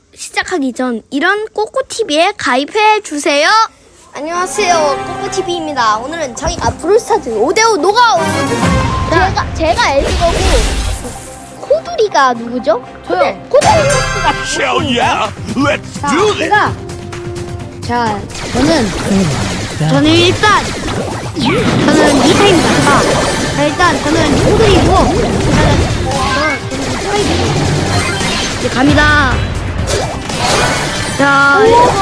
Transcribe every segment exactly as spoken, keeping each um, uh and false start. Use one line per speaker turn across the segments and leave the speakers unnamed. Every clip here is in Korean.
시작하기 전 이런 꼬꼬티비에 가입해 주세요. 안녕하세요, 꼬꼬티비입니다. 오늘은 저희가 브롤스타즈 오 대 오 노가웃. 제가 제가 엘리거고 코두리가 누구죠?
저요.
코두리 선수가
Hell yeah! Let's
자,
do this!
제가 자, 저는
저는 일단 저는 미타입니다. 자, 자, 일단 저는 코두리고 저는 스파이크 이제 갑니다. 자, 이거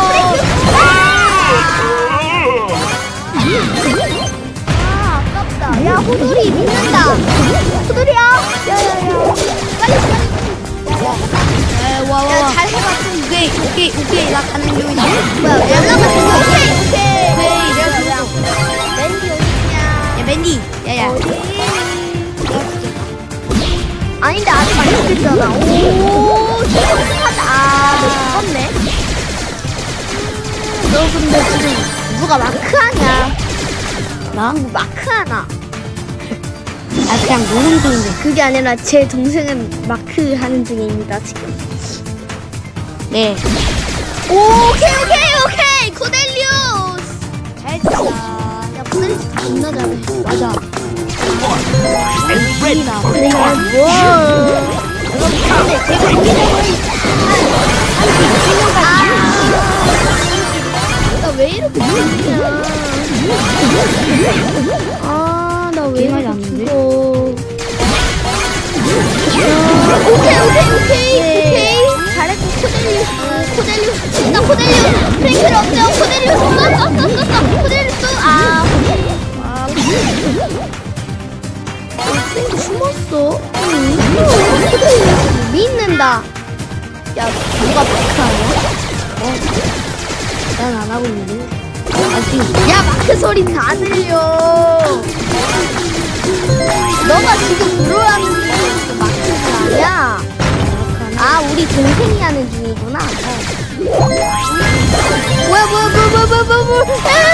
아, 아깝다. 야, 호돌이 믿는다. 호돌이야. 야야야. 빨리 빨리. 야, 와, 와, 와. 잘 해봐. 오케이, 오케이, 오케이. 나 가는 중이다. 뭐야, 연락을 줬어. 오케이, 오케이. 오케이, 내가 줬어. 맨디 어디냐? 야, 맨디. 야야. 어디? 아닌데, 아직 안 됐잖아. 오, 시작하자. 아, 너 죽었네. 너 근데 지금 누가 마크하냐? 나? 누구 마크하나?
아 그냥 노는 중인데.
그게 아니라 제 동생은 마크하는 중입니다 지금.
네.
오, 오케이 오케이 오케이 코델리우스 잘했다. 야 코델리우스 겁나 잘해.
맞아.
And ready for
내가 뭐? 이거 근데 제가 이기적으로 나왜 이렇게 죽냐? 아, 나 왜
게임하지
이렇게
않는데?
죽어? 오케이, 오케이, 오케이, 오케이. 잘했고, 코델리우스, 코델리우스, 진짜 코델리우스. 프랭클 없죠? 코델리우스, 쏘, 쏘, 쏘, 쏘, 쏘. 코델리우스, 아. 아, 프랭클 숨었어. 응, 코델리우스 믿는다. 야, 누가 마크하냐?
난 안 하고 있는데.
야, 마크 소리 다 들려. 너가 지금 들어가는 중이니까 마크가 아니야. 아, 우리 동생이 하는 중이구나. 뭐야, 뭐야, 뭐야, 뭐야, 뭐야, 뭐야, 뭐야.